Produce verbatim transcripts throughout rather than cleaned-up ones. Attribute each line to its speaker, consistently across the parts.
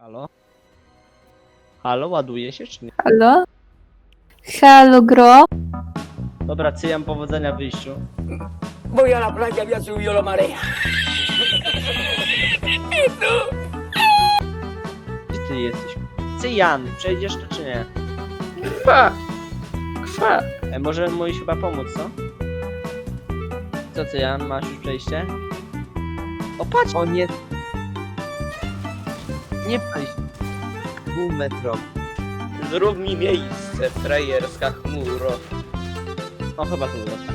Speaker 1: Halo? Halo, ładuje się czy nie?
Speaker 2: Halo? Halo, gro?
Speaker 1: Dobra, cyjam powodzenia w wyjściu.
Speaker 3: Voy a la playa, había subido la marea.
Speaker 1: Gdzie ty jesteś? Cyjan, przejdziesz to czy nie?
Speaker 2: Kwa. Kwa.
Speaker 1: E, możemy mu iść chyba pomóc, co? Co Cyjan, masz już przejście? O patrz! O nie! Nie przejść! Półmetrowy.
Speaker 4: Zrób mi miejsce, frajerska chmuro.
Speaker 1: O, chyba tu został.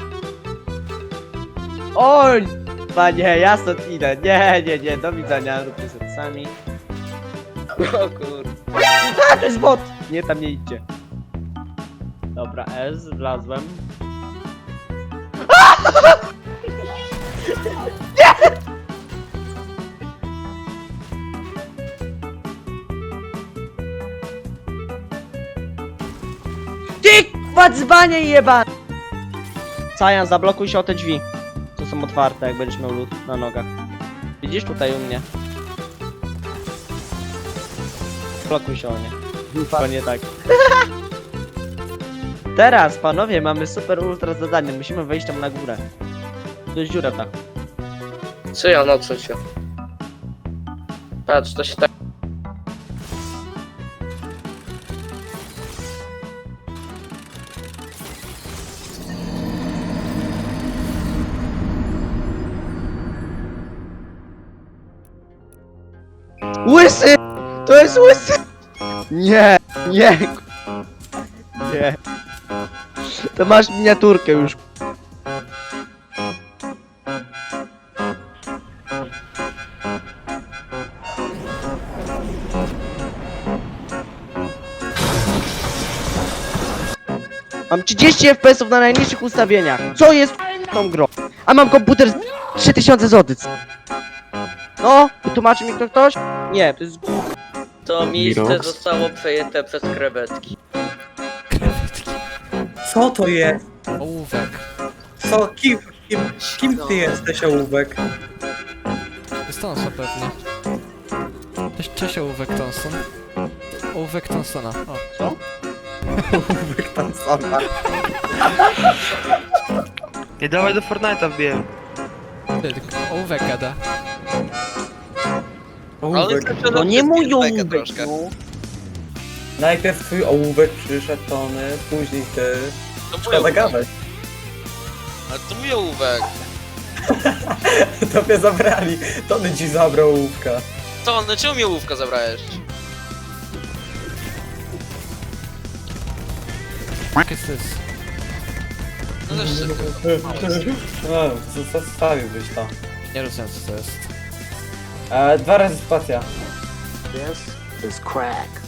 Speaker 1: Oj! Panie, ja stąd idę. Nie, nie, nie, do widzenia. Róbcie sobie sami.
Speaker 4: O kur...
Speaker 1: A, to jest bot! Nie, tam nie idźcie. Dobra, S, wlazłem. Ty, dzbanie jeba! Sajan, zablokuj się o te drzwi. To są otwarte, jak będziesz miał lód na nogach. Widzisz tutaj u mnie? Blokuj się o nie. To nie tak. Teraz, panowie, mamy super ultra zadanie. Musimy wejść tam na górę. To jest dziura tak.
Speaker 4: Co ja nocą się? Patrz, to się tak...
Speaker 1: Łysy! To jest łysy! Nie, nie. Nie. To masz miniaturkę już. Mam trzydzieści F P S ów na najniższych ustawieniach. Co jest tą grą? A mam komputer z trzy tysiące złotych. No, wytłumaczy mi to ktoś? Nie, to jest...
Speaker 4: To miejsce
Speaker 5: Mirox?
Speaker 4: zostało przejęte przez krewetki.
Speaker 5: Co to jest?
Speaker 6: Ołówek.
Speaker 5: Co? Kim, kim, kim ty jesteś, ołówek?
Speaker 6: Jest Thompson pewnie. Cześć, cześć ołówek Thompson. Ołówek Thompsona. O,
Speaker 1: Co?
Speaker 5: Ołówek tam sama.
Speaker 7: Nie dawaj do Fortnite'a wbiję.
Speaker 6: ty, tylko ołówek gada.
Speaker 5: Ołówek.
Speaker 1: No nie mój ołówek, no.
Speaker 5: Najpierw twój ołówek przyszedł, Tony, później ty.
Speaker 4: To mój
Speaker 5: Szkoda
Speaker 4: ołówek.
Speaker 5: gadać.
Speaker 4: Ale to mój ołówek.
Speaker 5: Tobie zabrali. Tony ci zabrał ołówka.
Speaker 4: To on, czemu mi ołówka zabrałeś?
Speaker 6: Jak jest this?
Speaker 4: No też szybko.
Speaker 5: No, zostawiłbyś to.
Speaker 6: Nie rozumiem co to jest.
Speaker 5: E, dwa razy spacja.
Speaker 3: This is crack.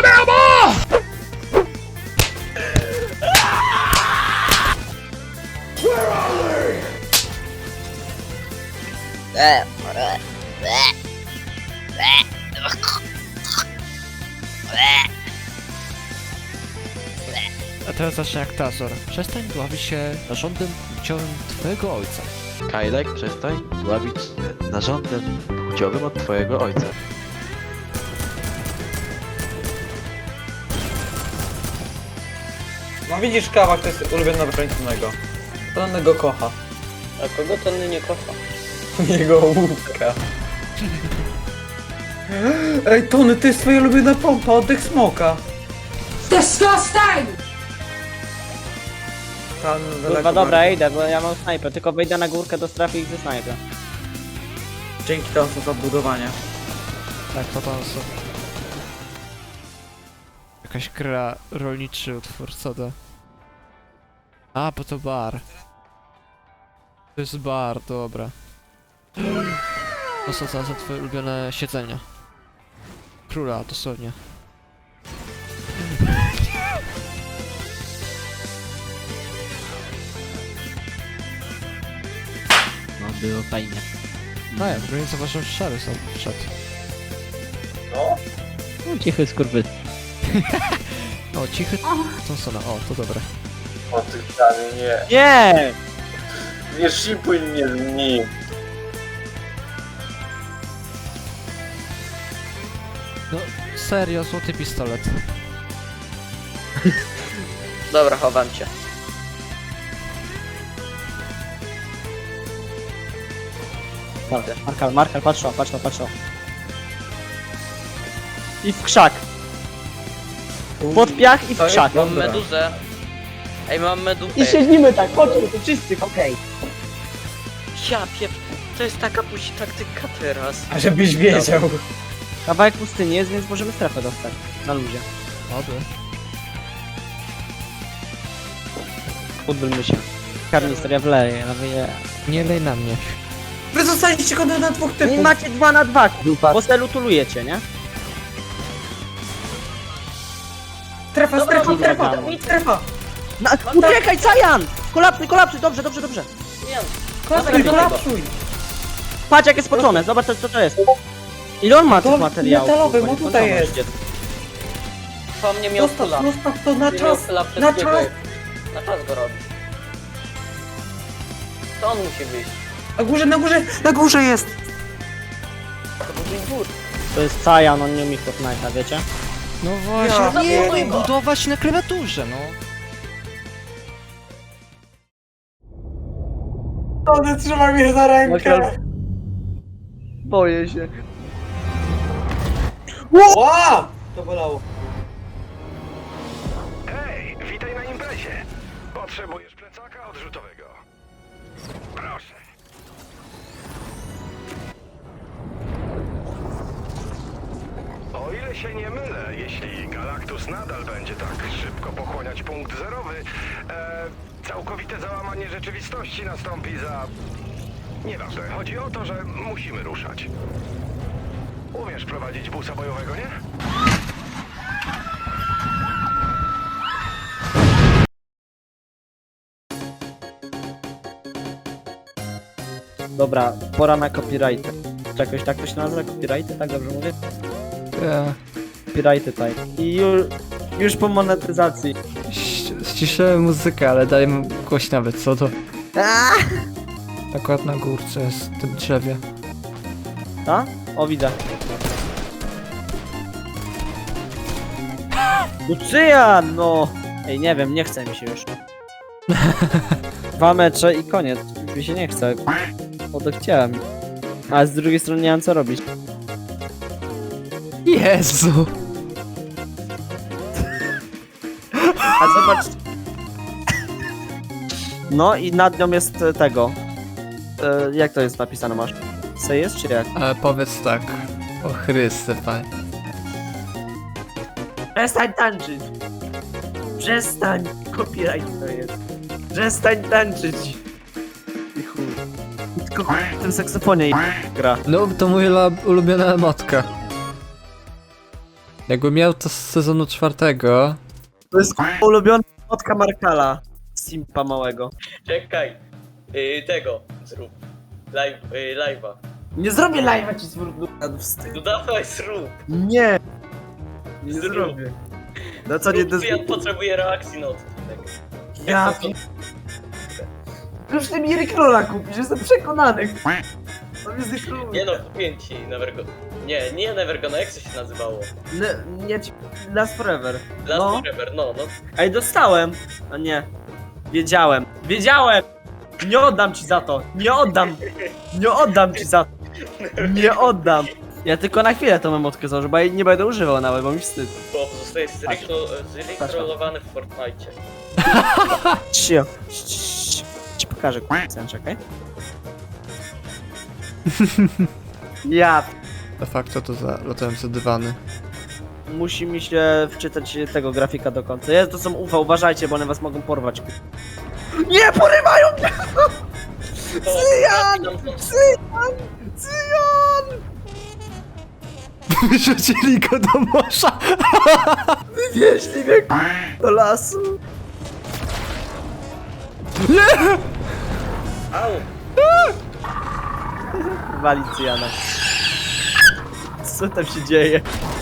Speaker 6: A teraz zacznę jak Tazor. Przestań dławić się narządem płciowym twojego ojca.
Speaker 8: Kajlek, przestań dławić narządem płciowym od twojego ojca.
Speaker 5: No widzisz, Kawak to jest ulubiona broń Tonego. Tony go kocha.
Speaker 4: A kogo to nie kocha?
Speaker 5: Jego ołówka. Ej, Tony, to jest twoja ulubiona pompa, oddech smoka.
Speaker 3: Disgusting!
Speaker 5: Tam,
Speaker 1: Kurwa, dobra, idę, bo ja mam snajpę. Tylko wejdę na górkę do strefy i ze snajpę.
Speaker 5: Dzięki temu za budowanie.
Speaker 6: Tak, to Thompson. Jakaś gra, rolniczy utwór, co to? A, bo to bar. To jest bar, dobra. To są za za twoje ulubione siedzenia. Króla, dosłownie.
Speaker 1: No, było fajnie.
Speaker 6: No ja, w ogóle nie zauważyłem, że szary są wszedł.
Speaker 1: No, cichy skurwy.
Speaker 6: O, cichy Thompsona, o, to dobre.
Speaker 4: O ty nie.
Speaker 1: Nie!
Speaker 4: Nie szipuj mnie z nim.
Speaker 6: No, serio, złoty pistolet.
Speaker 4: Dobra, chowam cię.
Speaker 1: Markal, Markal, patrz to, patrz to, patrz to. I w krzak. Pod piach i w krzak.
Speaker 4: Mam meduzę. Ej, mam meduzę.
Speaker 1: I siedzimy tak, chodźmy tu wszyscy, okej.
Speaker 4: Ja piep... To jest taka pusi taktyka teraz.
Speaker 5: A żebyś wiedział.
Speaker 1: Kawałek pustyni jest, więc możemy strefę dostać. Na luzie.
Speaker 6: Oby.
Speaker 1: Udbylmy się. Karnister, ja wleję, nawyję.
Speaker 6: Nie lej na mnie.
Speaker 5: Wy zostaliście go na dwóch typów.
Speaker 1: Nie macie dwa na dwa, bo se lutulujecie, nie?
Speaker 5: Strefa, strefa, strefa, strefa.
Speaker 1: Na, uciekaj, Cajan! Kolapsuj, kolapsuj, dobrze, dobrze, dobrze.
Speaker 5: Kolapsuj, kolapsuj.
Speaker 1: Patrz jak jest spoczone, zobacz co to jest. Ile on ma tych
Speaker 5: To
Speaker 1: materiałów?
Speaker 5: metalowy,
Speaker 1: kurwa,
Speaker 5: bo tutaj
Speaker 1: nieskończoność
Speaker 5: jest.
Speaker 4: To mnie miał
Speaker 5: Zostaw,
Speaker 4: kula.
Speaker 5: zostaw to na
Speaker 4: Nie miał
Speaker 5: czas.
Speaker 4: kula
Speaker 5: Na
Speaker 4: wszystkiego.
Speaker 5: czas.
Speaker 4: Na czas go robi. To on musi być.
Speaker 5: Na górze, na górze, na górze jest.
Speaker 4: To był dwór.
Speaker 1: To jest Cajan, on nie umie Fortnite'a, wiecie?
Speaker 6: No właśnie,
Speaker 5: Ja
Speaker 6: nie
Speaker 4: pierdolę.
Speaker 6: umiem budować na klawiaturze, no.
Speaker 5: On trzyma mnie za rękę.
Speaker 1: Boję się.
Speaker 5: Ła! To bolało.
Speaker 9: Hej, witaj na imprezie. Potrzebujesz plecaka odrzutowego. Proszę. O ile się nie mylę, jeśli Galactus nadal będzie tak szybko pochłaniać punkt zerowy, e, całkowite załamanie rzeczywistości nastąpi za... Nieważne, chodzi o to, że musimy ruszać. Umiesz prowadzić busa bojowego, nie?
Speaker 1: Dobra, pora na copyrighty. Czy jakoś tak to się nazywa? Copyrighty, tak dobrze mówię?
Speaker 6: Ja.
Speaker 1: Copyrighty, tak. I już, już po monetyzacji.
Speaker 6: ś- Ściszyłem muzykę, ale daję mu głoś nawet, co to? Akurat na górce jest, w tym drzewie.
Speaker 1: A? O, widzę. Lucyjan, no! Ej, nie wiem, nie chce mi się już. Dwa mecze i koniec. Już mi się nie chce. Odechciałem. A z drugiej strony nie mam co robić.
Speaker 6: Jezu!
Speaker 1: A zobacz. No i nad nią jest e, tego. E, jak to jest napisane, masz? Se jest czy jak?
Speaker 6: Ale powiedz tak. O Chryste, panie.
Speaker 1: Przestań tańczyć! Przestań! Copyright to jest. Przestań tańczyć! I chuj. I tylko w tym saksofonie i gra.
Speaker 6: No, to moja la- ulubiona emotka. Jakbym miał to z sezonu czwartego.
Speaker 1: To jest ulubiona fotka Markala. Simpa małego.
Speaker 4: Czekaj. Yy, tego zrób. Live, yy, live'a.
Speaker 1: Nie zrobię live'a ci z wstyd.
Speaker 4: No dawaj, zrób.
Speaker 1: Nie! Nie
Speaker 4: Zrób.
Speaker 1: zrobię. No co nie
Speaker 4: Zrób,
Speaker 1: to
Speaker 4: ja potrzebuję reakcji na odcinek.
Speaker 1: Ja
Speaker 4: Jak
Speaker 1: Już ty mi Rickrolla kupisz, jestem przekonany. On jest Rickroll.
Speaker 4: Nie no, kupię ci Nevergo... Nie, nie Nevergona, jak to się nazywało?
Speaker 1: Nie, nie ci... Last Forever.
Speaker 4: Last
Speaker 1: No.
Speaker 4: Forever, no, no.
Speaker 1: Ej, dostałem! A nie. Wiedziałem. Wiedziałem! Nie oddam ci za to! Nie oddam! Nie oddam ci za to! Nie oddam! Ja tylko na chwilę tą emotkę założę, bo jej nie będę używał nawet, bo mi wstyd.
Speaker 4: Bo zostaje zrekrolowany w Fortnite.
Speaker 1: Cio. Ci- Ci pokażę, k***a, czekaj. Ja...
Speaker 6: De facto to za latające dywany.
Speaker 1: Musi mi się wczytać tego grafika do końca. Jest, to są U V, uważajcie, bo one was mogą porwać. Nie, porywają mnie! Cyjan! Cyjan! Cyjan!
Speaker 6: Wyrzucili go do morza!
Speaker 1: Wywieźli mnie do lasu.
Speaker 4: Au!
Speaker 1: Wali Cyjana. Co tam się dzieje?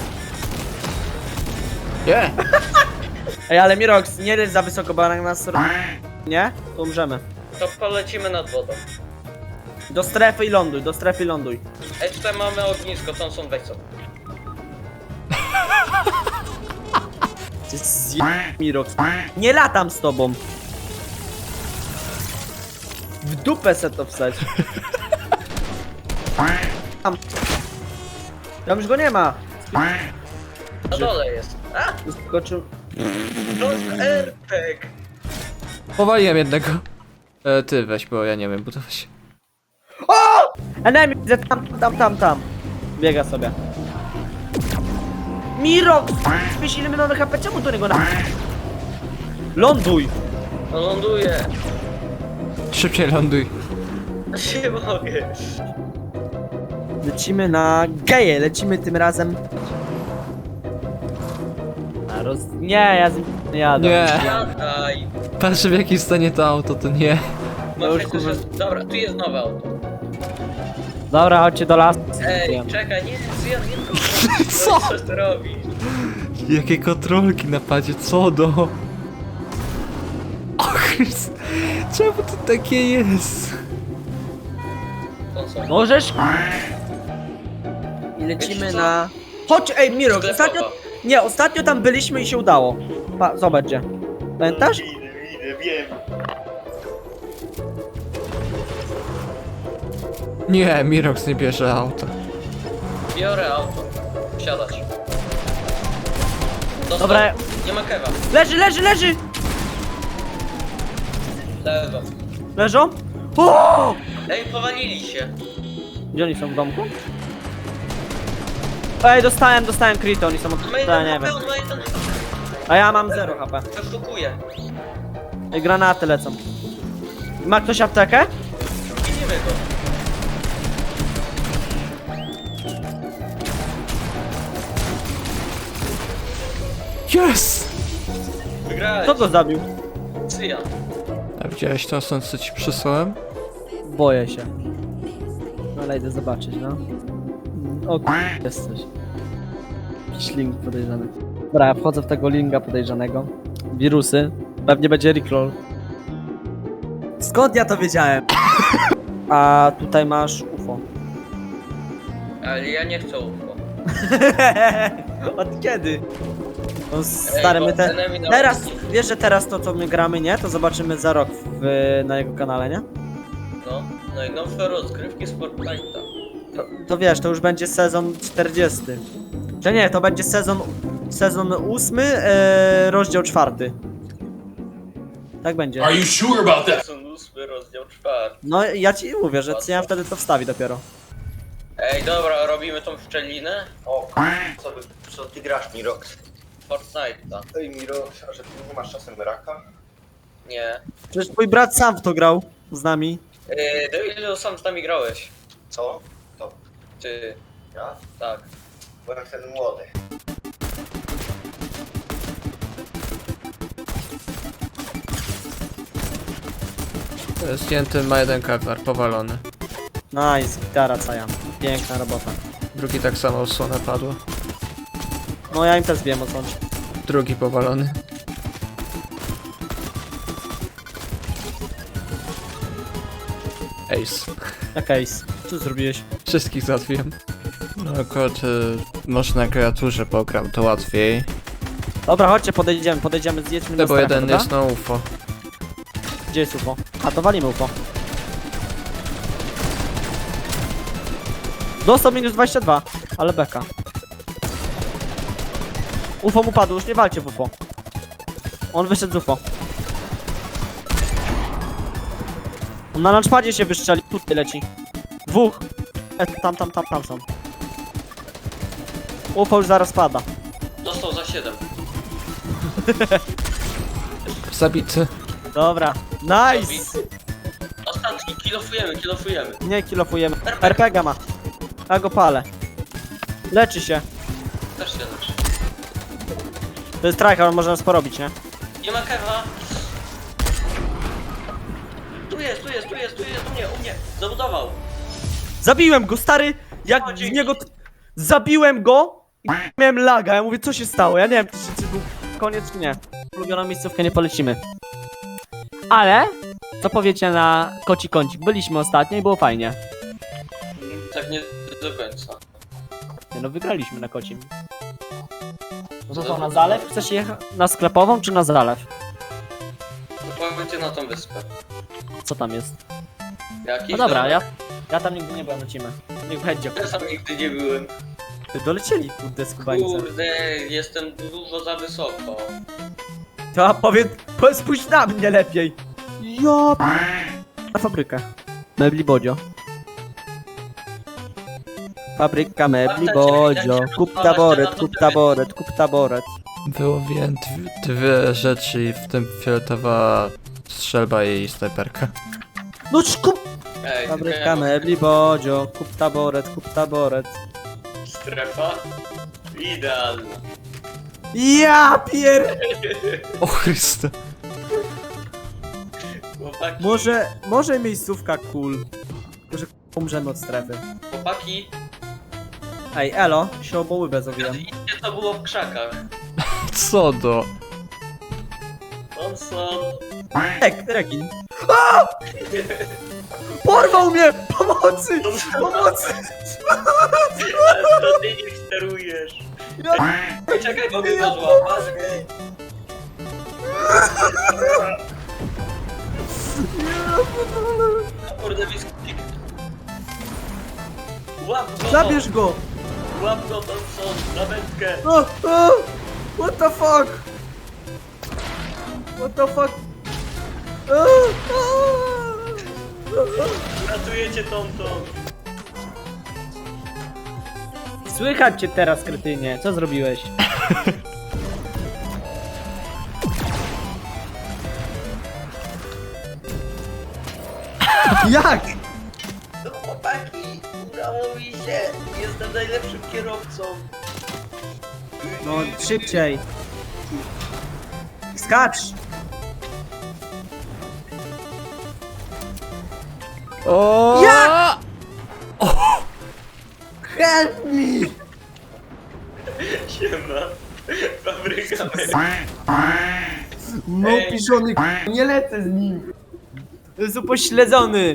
Speaker 6: Nie!
Speaker 1: Ej, ale Mirox, nie leć za wysoko, bo jak nas... Nie? To umrzemy.
Speaker 4: To polecimy nad wodą.
Speaker 1: Do strefy i ląduj, do strefy i ląduj.
Speaker 4: Ej, tutaj mamy ognisko, tam są weź sobie.
Speaker 1: Ty zje... Mirox. Nie latam z tobą. W dupę se to wstać. Tam. Tam już go nie ma.
Speaker 4: Na dole jest. A,
Speaker 1: Skoczył.
Speaker 4: no R P G.
Speaker 6: Powaliłem jednego. E, ty weź, bo ja nie wiem budować.
Speaker 1: Enemy, widzę tam, tam, tam, tam. Biega sobie. Mirox! Wiesz ile my mamy H P? Czemu do niego na... Ląduj!
Speaker 4: No ląduje.
Speaker 6: Szybciej ląduj.
Speaker 4: Nie mogę.
Speaker 1: Lecimy na geje, lecimy tym razem. A roz... Nie, ja z nim nie jadę.
Speaker 6: Nie.
Speaker 4: Jadaj.
Speaker 6: Patrzę w jakim stanie to auto, to nie.
Speaker 1: No
Speaker 4: No
Speaker 1: już,
Speaker 4: już,
Speaker 1: kurwa.
Speaker 4: dobra, tu jest nowe auto.
Speaker 1: Dobra, chodźcie do lasu.
Speaker 4: Ej, czekaj, nie, ja nie
Speaker 6: Co?
Speaker 4: Co ty robisz?
Speaker 6: Jakie kontrolki na padzie, co do... O Chrys... Czemu to takie jest?
Speaker 4: To co?
Speaker 1: Możesz? I lecimy
Speaker 4: Wiecie co?
Speaker 1: na... Chodź, ej Mirox,
Speaker 4: Sklepowa.
Speaker 1: ostatnio... Nie, ostatnio tam byliśmy i się udało. Pa, zobacz gdzie. Pamiętasz?
Speaker 4: Idę, idę, wiem.
Speaker 6: Nie, Mirox nie bierze auta.
Speaker 4: Biorę auto. Wsiadać. Dostał.
Speaker 1: Dobra.
Speaker 4: Nie ma kewa.
Speaker 1: Leży, leży, leży!
Speaker 4: Lewo.
Speaker 1: Leżą? O!
Speaker 4: Ej, powalili się.
Speaker 1: Gdzie oni są, w domku? Ej, dostałem, dostałem crit, oni są od...
Speaker 4: Ma
Speaker 1: Ja
Speaker 4: jeden
Speaker 1: nie
Speaker 4: H P,
Speaker 1: wiem.
Speaker 4: on ma jeden H P.
Speaker 1: A ja mam zero H P.
Speaker 4: Wyszukuje.
Speaker 1: Ej, granaty lecą. Ma ktoś aptekę?
Speaker 4: Widzimy go.
Speaker 6: Yes!
Speaker 4: Wygrałeś.
Speaker 1: Kto go zabił?
Speaker 4: Cyjan.
Speaker 6: A widziałeś to, stąd co ci przysłałem?
Speaker 1: Boję się. No ale idę zobaczyć, no. O k***, jest coś. Jakiś link podejrzany. Dobra, ja wchodzę w tego linka podejrzanego. Wirusy. Pewnie będzie recall. Skąd ja to wiedziałem? A tutaj masz U F O.
Speaker 4: Ale ja nie chcę U F O.
Speaker 1: Od kiedy? No stary,
Speaker 4: Ej,
Speaker 1: my
Speaker 4: bo
Speaker 1: te...
Speaker 4: enemy na
Speaker 1: Teraz,
Speaker 4: ulicy.
Speaker 1: wiesz, że teraz to co my gramy, nie? To zobaczymy za rok w, na jego kanale, nie?
Speaker 4: No, najnowsze rozgrywki z Fortnite'a.
Speaker 1: To, to wiesz, to już będzie sezon czterdziesty. Czy nie, to będzie sezon sezon ósmy, e, rozdział czwarty. Tak będzie.
Speaker 9: Are you sure about that?
Speaker 4: Sezon ósmy, rozdział czwarty.
Speaker 1: No ja ci mówię, że ja wtedy to wstawi dopiero.
Speaker 4: Ej, dobra, robimy tą szczelinę.
Speaker 10: O, co, by, co ty grasz, Mirox?
Speaker 4: Fortnite'a.
Speaker 10: Ej, Mirox, a że ty nie masz czasem raka?
Speaker 4: Nie.
Speaker 1: Przecież twój brat sam w to grał z nami.
Speaker 4: Yy, do ilu sam z nami grałeś?
Speaker 10: Co? To
Speaker 4: Ty,
Speaker 10: ja?
Speaker 4: tak.
Speaker 10: Byłem wtedy młody.
Speaker 6: Zdjęty ma jeden kewlar, powalony.
Speaker 1: Nice, gitara caja. Piękna robota.
Speaker 6: Drugi tak samo osłonę padło.
Speaker 1: No ja im też wiem o co.
Speaker 6: Drugi powalony. Ace.
Speaker 1: Jak ace. Co zrobiłeś?
Speaker 6: Wszystkich załatwiłem. No akurat y, może na kreaturze pogram, to łatwiej.
Speaker 1: Dobra, chodźcie, podejdziemy, podejdziemy, zjedźmy
Speaker 6: No
Speaker 1: na
Speaker 6: bo
Speaker 1: strefę,
Speaker 6: jeden
Speaker 1: dobra?
Speaker 6: jest na U F O.
Speaker 1: Gdzie jest U F O? A, to walimy U F O. Dostał minus dwadzieścia dwa, ale beka. U F O mu padł, już nie walcie w U F O. On wyszedł z U F O. On na launchpadzie się wystrzeli, tutaj leci. Dwóch. E, tam, tam, tam, tam są. U F O już zaraz pada.
Speaker 4: Dostał za siedem.
Speaker 6: Zabity.
Speaker 1: Dobra, nice!
Speaker 4: Ostatni, kilofujemy, kilofujemy.
Speaker 1: Nie kilofujemy. R P G ma. Ja go palę. Leczy się.
Speaker 4: Też się leczy.
Speaker 1: To jest tryhard, on może nas porobić, nie?
Speaker 4: Nie ma kewa. Tu jest, tu jest, tu jest, tu jest, u mnie, u mnie. Zabudował.
Speaker 1: Zabiłem go, stary! Jak
Speaker 4: O,
Speaker 1: w
Speaker 4: dzięki.
Speaker 1: niego... Zabiłem go i miałem laga. Ja mówię, co się stało? Ja nie wiem, czy, czy był koniec, czy nie. Ulubioną miejscówkę nie polecimy. Ale, co powiecie na koci kącik? Byliśmy ostatnio i było fajnie.
Speaker 4: Tak nie do końca.
Speaker 1: Nie no, wygraliśmy na kocim. No to co, na zalew? Chcesz jechać na sklepową czy na zalew?
Speaker 4: Pojedziecie na tą wyspę.
Speaker 1: Co tam jest?
Speaker 4: Jakiś
Speaker 1: No dobra,
Speaker 4: domek.
Speaker 1: ja, ja tam nigdy nie byłem, lecimy. Niech będzie.
Speaker 4: Ja sam nigdy nie byłem.
Speaker 1: Ty dolecieli, kurde, skubańce.
Speaker 4: Kurde, jestem dużo za wysoko.
Speaker 1: To a powiedz, po- spójrz na mnie lepiej. Ja. Na fabrykę. Mebli Bodzio. Fabryka mebli Bodzio. Kup taboret, kup taboret, kup taboret.
Speaker 6: Wyłowiłem dwie, dwie rzeczy, w tym fioletowa strzelba i snajperka.
Speaker 1: No cz, kup.
Speaker 4: Ej, tylko
Speaker 1: Fabryka
Speaker 4: ja mam
Speaker 1: mebli Bodzio. Kup taboret, kup taboret.
Speaker 4: strefa idealna.
Speaker 1: Ja pier...
Speaker 6: O Chryste.
Speaker 4: Chłopaki,
Speaker 1: Może, może miejscówka cool. Tylko, że umrzemy od strefy.
Speaker 4: chłopaki,
Speaker 1: Ej, elo, się obołybę zrobiłem.
Speaker 4: idźcie, to było w krzakach.
Speaker 6: Co do?
Speaker 4: Thompson.
Speaker 1: Ek, rekin. A! Porwał mnie! Pomocy! Pomocy!
Speaker 4: Ale to ty nie sterujesz. Czekaj, bo mnie to złapać. Kurde, biskupik. Łap go!
Speaker 1: Zabierz go!
Speaker 4: Łap go, Thompson, na wędkę.
Speaker 1: O, o! What the fuck? What the fuck? O, o!
Speaker 4: Ratujecie Thompson.
Speaker 1: Słychać cię teraz, kretynie. Co zrobiłeś? Jak?
Speaker 4: No chłopaki, udało mi się. Jestem najlepszym kierowcą.
Speaker 1: No, szybciej. Skacz!
Speaker 6: O!
Speaker 1: Jak? Help me!
Speaker 4: Siema. Fabryka
Speaker 1: No, piszony, nie lecę z nim. Jest upośledzony.